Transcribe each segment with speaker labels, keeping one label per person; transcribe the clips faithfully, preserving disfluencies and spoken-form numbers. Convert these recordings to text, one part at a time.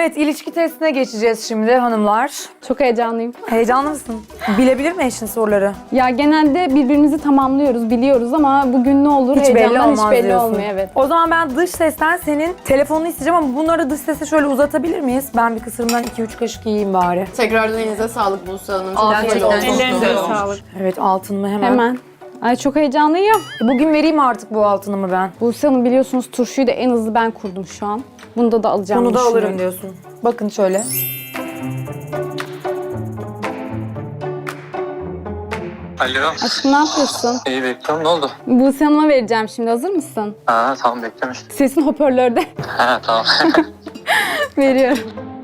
Speaker 1: Evet, ilişki testine geçeceğiz şimdi hanımlar.
Speaker 2: Çok heyecanlıyım.
Speaker 1: Heyecanlı mısın? Bilebilir mi eşin soruları?
Speaker 2: Ya genelde birbirimizi tamamlıyoruz, biliyoruz ama bugün ne olur
Speaker 1: Hiç belli
Speaker 2: heyecandan
Speaker 1: olmaz
Speaker 2: hiç belli
Speaker 1: diyorsun.
Speaker 2: olmuyor. Evet.
Speaker 1: O zaman ben dış sesten senin telefonunu isteyeceğim ama bunları dış sese şöyle uzatabilir miyiz? Ben bir kısırımdan iki üç kaşık yiyeyim bari.
Speaker 3: Tekrardan elinize sağlık Buse Hanım. Çok
Speaker 1: Afiyet
Speaker 3: güzel
Speaker 1: olsun.
Speaker 3: oldu.
Speaker 4: Ellerinize sağlık.
Speaker 1: Evet, altınımı hemen.
Speaker 2: Hemen. Ay çok heyecanlıyım.
Speaker 1: Bugün vereyim artık bu altınımı ben.
Speaker 2: Buse Hanım biliyorsunuz turşuyu da en hızlı ben kurdum şu an. Bunu da alacağım.
Speaker 1: Bunu da alırım diyorsun. Bakın şöyle.
Speaker 5: Alo.
Speaker 2: Aşkım ne yapıyorsun?
Speaker 5: İyi bekliyorum. Ne oldu?
Speaker 2: Buse Hanım'a vereceğim şimdi. Hazır mısın?
Speaker 5: Ha tamam beklemiş.
Speaker 2: Sesin hoparlörde.
Speaker 5: Ha tamam.
Speaker 2: Veriyorum.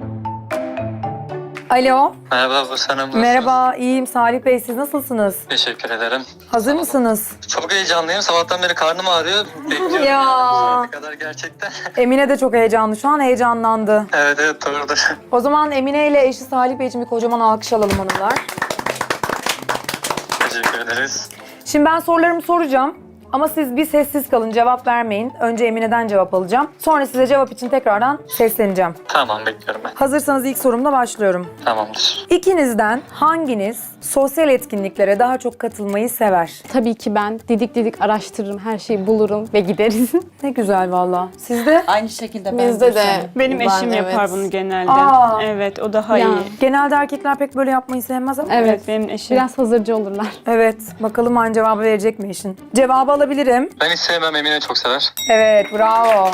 Speaker 1: Alo.
Speaker 5: Merhaba bu sana nasılsın?
Speaker 1: Merhaba, iyiyim. Salih Bey, siz nasılsınız?
Speaker 5: Teşekkür ederim.
Speaker 1: Hazır mısınız?
Speaker 5: Çok heyecanlıyım. Sabahtan beri karnım ağrıyor. Bekliyorum.
Speaker 1: Ya.
Speaker 5: Ne kadar gerçekten.
Speaker 1: Emine de çok heyecanlı. Şu an heyecanlandı.
Speaker 5: evet evet doğrudur.
Speaker 1: O zaman Emine ile eşi Salih Bey için bir kocaman alkış alalım hanımlar.
Speaker 5: Teşekkür ederiz.
Speaker 1: Şimdi ben sorularımı soracağım. Ama siz bir sessiz kalın, cevap vermeyin. Önce Emine'den cevap alacağım. Sonra size cevap için tekrardan sesleneceğim.
Speaker 5: Tamam bekliyorum ben.
Speaker 1: Hazırsanız ilk sorumla başlıyorum.
Speaker 5: Tamamdır.
Speaker 1: İkinizden hanginiz sosyal etkinliklere daha çok katılmayı sever?
Speaker 2: Tabii ki ben didik didik araştırırım, her şeyi bulurum ve gideriz.
Speaker 1: Ne güzel valla. Siz de?
Speaker 6: Aynı şekilde ben
Speaker 3: Bizde de.
Speaker 6: Buse'm.
Speaker 4: Benim
Speaker 3: Ben,
Speaker 4: eşim
Speaker 3: evet.
Speaker 4: yapar bunu genelde.
Speaker 1: Aa.
Speaker 4: Evet, o daha
Speaker 2: Ya.
Speaker 4: iyi.
Speaker 1: Genelde erkekler pek böyle yapmayı sevmez ama.
Speaker 2: Evet.
Speaker 4: Evet, benim eşim.
Speaker 2: Biraz hazırcı olurlar.
Speaker 1: Evet. Bakalım aynı cevabı verecek mi eşin? Cevabı alabilirim.
Speaker 5: Ben hiç sevmem. Emine çok sever.
Speaker 1: Evet, bravo.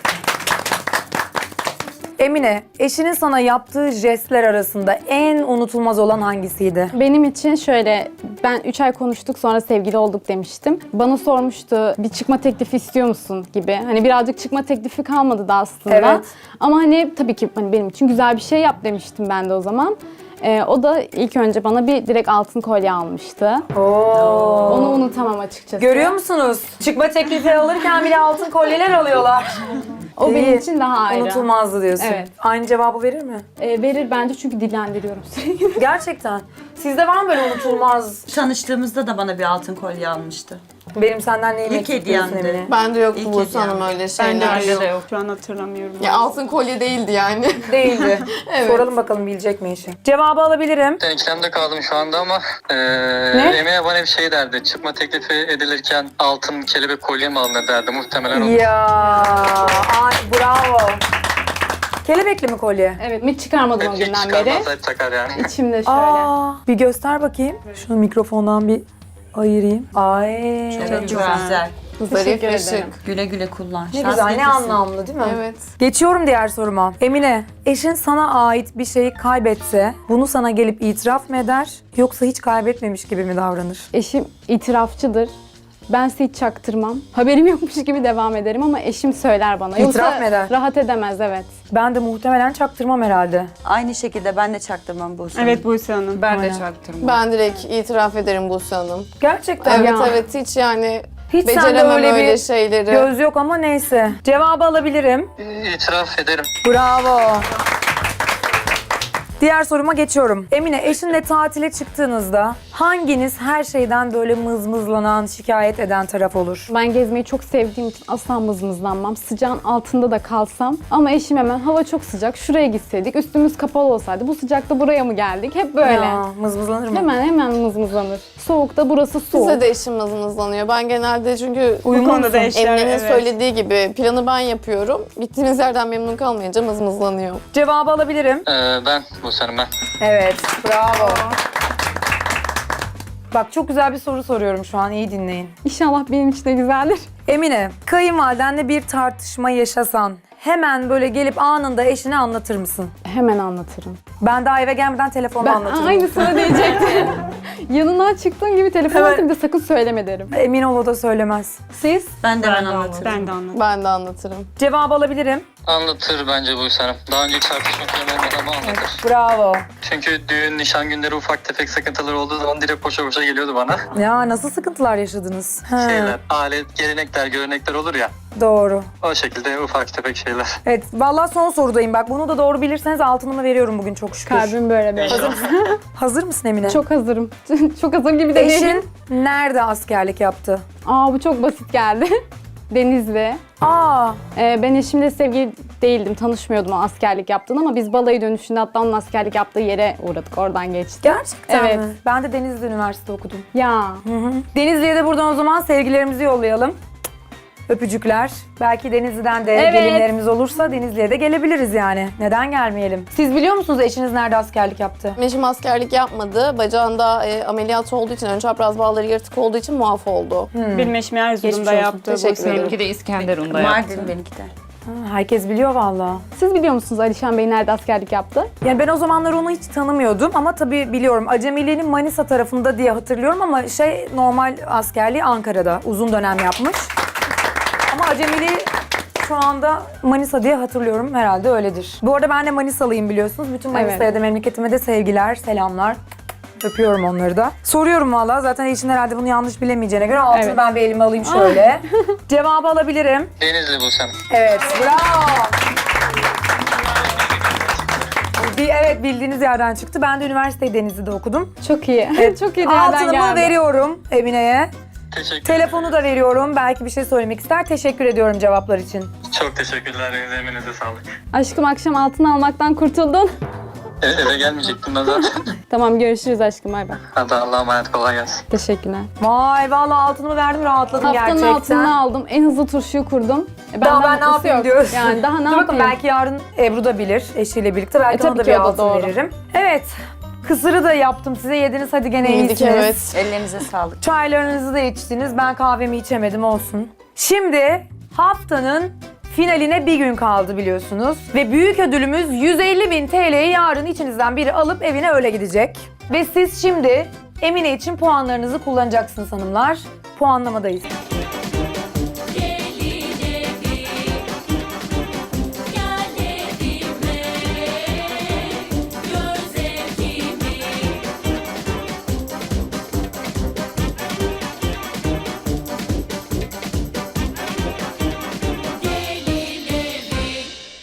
Speaker 1: Emine, eşinin sana yaptığı jestler arasında en unutulmaz olan hangisiydi?
Speaker 2: Benim için şöyle, ben üç ay konuştuk sonra sevgili olduk demiştim. Bana sormuştu bir çıkma teklifi istiyor musun gibi. Hani birazcık çıkma teklifi kalmadı da aslında.
Speaker 1: Evet.
Speaker 2: Ama hani tabii ki hani benim için güzel bir şey yap demiştim ben de o zaman. Ee, o da ilk önce bana bir direkt altın kolye almıştı.
Speaker 1: Oo.
Speaker 2: Onu unutamam açıkçası.
Speaker 1: Görüyor musunuz? Çıkma teklifi alırken bile altın kolyeler alıyorlar.
Speaker 2: O benim
Speaker 1: İyi.
Speaker 2: için daha ayrı.
Speaker 1: Unutulmazdı diyorsun.
Speaker 2: Evet.
Speaker 1: Aynı cevabı verir mi?
Speaker 2: Ee, verir bence çünkü dillendiriyorum sürekli.
Speaker 1: Gerçekten. Sizde var mı böyle unutulmaz?
Speaker 6: Tanıştığımızda da bana bir altın kolye almıştı.
Speaker 1: Benim senden neyim
Speaker 6: İlk
Speaker 1: eksik diyorsun
Speaker 6: hediyemdi.
Speaker 1: Emine?
Speaker 3: Bende yoktu
Speaker 6: İlk
Speaker 3: Buse Hanım
Speaker 6: hediyem.
Speaker 3: öyle
Speaker 4: Ben
Speaker 3: şeyler.
Speaker 4: de öyle de yok. Şu an hatırlamıyorum.
Speaker 3: Ya altın kolye değildi yani.
Speaker 1: Değildi.
Speaker 3: Evet.
Speaker 1: Soralım bakalım bilecek mi eşi? Cevabı alabilirim.
Speaker 5: Ben ikilemde kaldım şu anda ama ee, Emine bana bir şey derdi. Çıkma teklifi edilirken altın kelebek kolye mi alınır derdi. Muhtemelen o.
Speaker 1: Ya, ay, bravo. Kelebekli mi kolye?
Speaker 2: Evet, hiç çıkarmadım o
Speaker 5: Hiç
Speaker 2: günden beri.
Speaker 5: çıkarmazsa hep takar yani.
Speaker 2: İçimde şöyle.
Speaker 1: Aa, bir göster bakayım. Şunu mikrofondan bir ayırayım. Ay.
Speaker 6: Evet,
Speaker 4: Çok
Speaker 6: çok
Speaker 4: güzel.
Speaker 6: güzel.
Speaker 3: Zarif
Speaker 2: Teşekkür
Speaker 3: ve
Speaker 2: ederim.
Speaker 3: şık.
Speaker 6: Güle güle kullan.
Speaker 1: Ne
Speaker 6: Şans
Speaker 1: güzel, ne
Speaker 6: getirsin.
Speaker 1: anlamlı değil mi?
Speaker 3: Evet.
Speaker 1: Geçiyorum diğer soruma. Emine, eşin sana ait bir şeyi kaybetse bunu sana gelip itiraf mı eder yoksa hiç kaybetmemiş gibi mi davranır?
Speaker 2: Eşim itirafçıdır. Ben size hiç çaktırmam. Haberim yokmuş gibi devam ederim ama eşim söyler bana.
Speaker 1: İtiraf
Speaker 2: Yoksa
Speaker 1: mı eder?
Speaker 2: rahat edemez, evet.
Speaker 1: Ben de muhtemelen çaktırmam herhalde.
Speaker 6: Aynı şekilde ben de çaktırmam Buse'm.
Speaker 4: Evet Buse Hanım.
Speaker 6: Ben
Speaker 1: Aynen.
Speaker 6: de çaktırmam.
Speaker 3: Ben direkt itiraf ederim Buse Hanım.
Speaker 1: Gerçekten
Speaker 3: Evet
Speaker 1: ya.
Speaker 3: evet hiç yani
Speaker 1: Hiç sende
Speaker 3: beceremem
Speaker 1: öyle
Speaker 3: öyle,
Speaker 1: bir
Speaker 3: şeyleri.
Speaker 1: göz yok ama neyse. Cevabı alabilirim.
Speaker 5: İtiraf ederim.
Speaker 1: Bravo. Diğer soruma geçiyorum. Emine, eşinle tatile çıktığınızda hanginiz her şeyden böyle mızmızlanan, şikayet eden taraf olur?
Speaker 2: Ben gezmeyi çok sevdiğim için asla mızmızlanmam. Sıcağın altında da kalsam. Ama eşim hemen hava çok sıcak, şuraya gitseydik, üstümüz kapalı olsaydı, bu sıcakta buraya mı geldik? Hep böyle.
Speaker 1: Ya, mızmızlanır mı?
Speaker 2: Hemen hemen mızmızlanır. Soğukta burası soğuk.
Speaker 3: Size de eşim mızmızlanıyor. Ben genelde çünkü
Speaker 4: Bu konuda da eşler,
Speaker 3: Emine'nin
Speaker 4: evet.
Speaker 3: söylediği gibi planı ben yapıyorum. Gittiğiniz yerden memnun kalmayınca mızmızlanıyor.
Speaker 1: Cevabı alabilirim.
Speaker 5: Ee, ben bu senin ben.
Speaker 1: Evet, bravo. Bak çok güzel bir soru soruyorum şu an, iyi dinleyin.
Speaker 2: İnşallah benim için de güzeldir.
Speaker 1: Emine, kayınvalidenle bir tartışma yaşasan hemen böyle gelip anında eşine anlatır mısın?
Speaker 2: Hemen anlatırım.
Speaker 1: Ben daha eve gelmeden telefonla
Speaker 2: Ben
Speaker 1: anlatırım.
Speaker 2: aynısını diyecektim. Yanından çıktığım gibi telefon
Speaker 1: Evet.
Speaker 2: açtım, bir de sakın söyleme derim.
Speaker 1: Emin ol o da söylemez. Siz?
Speaker 6: Ben de
Speaker 4: Ben
Speaker 6: ben
Speaker 4: de
Speaker 6: anlatırım.
Speaker 4: Ben de anladım.
Speaker 3: Ben de anlatırım.
Speaker 1: Cevabı alabilirim.
Speaker 5: Anlatır bence bu senin. Daha önce hiç tartışma falan olmadı ama anlatır.
Speaker 1: Bravo.
Speaker 5: Çünkü düğün, nişan günleri ufak tefek sıkıntıları olduğu zaman direkt koşa koşa geliyordu bana.
Speaker 1: Ya nasıl sıkıntılar yaşadınız? He,
Speaker 5: Şeyler, alet, gelenekler, görenekler olur ya.
Speaker 1: doğru.
Speaker 5: O şekilde ufak tefek şeyler.
Speaker 1: Evet, vallahi son sorudayım. Bak bunu da doğru bilirseniz altınımı veriyorum bugün çok şükür.
Speaker 2: Kalbim böyle böyle.
Speaker 1: Hazır mısın Emine?
Speaker 2: Çok hazırım. Çok hazır gibi de değilim.
Speaker 1: Eşin nerede askerlik yaptı?
Speaker 2: Aa bu çok basit geldi. Denizli.
Speaker 1: Aa,
Speaker 2: Ee, ben eşimle sevgili değildim, tanışmıyordum o askerlik yaptığını ama biz balayı dönüşünde hatta onun askerlik yaptığı yere uğradık, oradan geçtik.
Speaker 1: gerçekten
Speaker 2: Evet.
Speaker 1: mi? Ben de Denizli Üniversite okudum.
Speaker 2: Ya
Speaker 1: Denizli'ye de buradan o zaman sevgilerimizi yollayalım. Öpücükler. Belki Denizli'den de
Speaker 2: Evet.
Speaker 1: gelinlerimiz olursa Denizli'ye de gelebiliriz yani. Neden gelmeyelim? Siz biliyor musunuz eşiniz nerede askerlik yaptı?
Speaker 3: Eşim askerlik yapmadı. Bacağında e, ameliyat olduğu için, ön çapraz bağları yırtık olduğu için muaf oldu.
Speaker 4: Benim eşim
Speaker 1: Geçmiş
Speaker 4: Erzurum'da
Speaker 1: olsun.
Speaker 4: yaptı.
Speaker 3: Teşekkür
Speaker 4: Bursa'da.
Speaker 3: ederim.
Speaker 7: Benimki de İskenderun'da yaptı.
Speaker 6: Mardin benimki de.
Speaker 1: Ha, herkes biliyor valla.
Speaker 2: siz biliyor musunuz Alişan Bey nerede askerlik yaptı?
Speaker 1: Yani ben o zamanlar onu hiç tanımıyordum ama tabii biliyorum. Acemiliğinin Manisa tarafında diye hatırlıyorum ama şey normal askerliği Ankara'da uzun dönem yapmış. Ama acemiliği şu anda Manisa diye hatırlıyorum, herhalde öyledir. Bu arada ben de Manisalıyım biliyorsunuz. Bütün Manisa'ya
Speaker 2: Evet.
Speaker 1: da memleketime de sevgiler, selamlar. Öpüyorum onları da. Soruyorum valla. Zaten eşin herhalde bunu yanlış bilemeyeceğine göre altını
Speaker 2: Evet.
Speaker 1: ben bir elime alayım şöyle. Cevabı alabilirim.
Speaker 5: Denizli Buse.
Speaker 1: Evet, bravo. Bir, evet bildiğiniz yerden çıktı. Ben de üniversiteyi Denizli'de okudum.
Speaker 2: Çok iyi. Çok iyi bir yerden
Speaker 1: Altınımı
Speaker 2: geldi.
Speaker 1: veriyorum Emine'ye.
Speaker 5: Teşekkür
Speaker 1: Telefonu da veriyorum. Belki bir şey söylemek ister. Teşekkür ediyorum cevaplar için.
Speaker 5: Çok teşekkürler. Eminize sağlık.
Speaker 2: Aşkım akşam altın almaktan kurtuldun.
Speaker 5: E, eve gelmeyecektim ben zaten.
Speaker 2: Tamam görüşürüz aşkım, bay bay.
Speaker 5: Hadi Allah'a emanet, kolay gelsin.
Speaker 2: Teşekkürler.
Speaker 1: Vay vallahi altınımı verdim, rahatladım
Speaker 2: Haftanın
Speaker 1: gerçekten.
Speaker 2: altınını aldım. En hızlı turşuyu kurdum. E,
Speaker 1: Daha ben ne
Speaker 2: mutlusu
Speaker 1: yapayım
Speaker 2: yok.
Speaker 1: diyorsun.
Speaker 2: Yani daha ne
Speaker 1: Dur bakın,
Speaker 2: yapayım?
Speaker 1: belki yarın Ebru da bilir eşiyle birlikte. Belki
Speaker 2: E,
Speaker 1: ona
Speaker 2: tabii
Speaker 1: da
Speaker 2: ki
Speaker 1: bir
Speaker 2: o da
Speaker 1: altın
Speaker 2: doğru.
Speaker 1: veririm. Evet. Kısırı da yaptım size. Yediniz hadi gene
Speaker 3: Yedik,
Speaker 1: iyisiniz.
Speaker 3: evet.
Speaker 6: Ellerinize sağlık.
Speaker 1: Çaylarınızı da içtiniz. Ben kahvemi içemedim, olsun. Şimdi haftanın finaline bir gün kaldı biliyorsunuz. Ve büyük ödülümüz yüz elli bin T L'yi yarın içinizden biri alıp evine öyle gidecek. Ve siz şimdi Emine için puanlarınızı kullanacaksınız hanımlar. Puanlamadayız.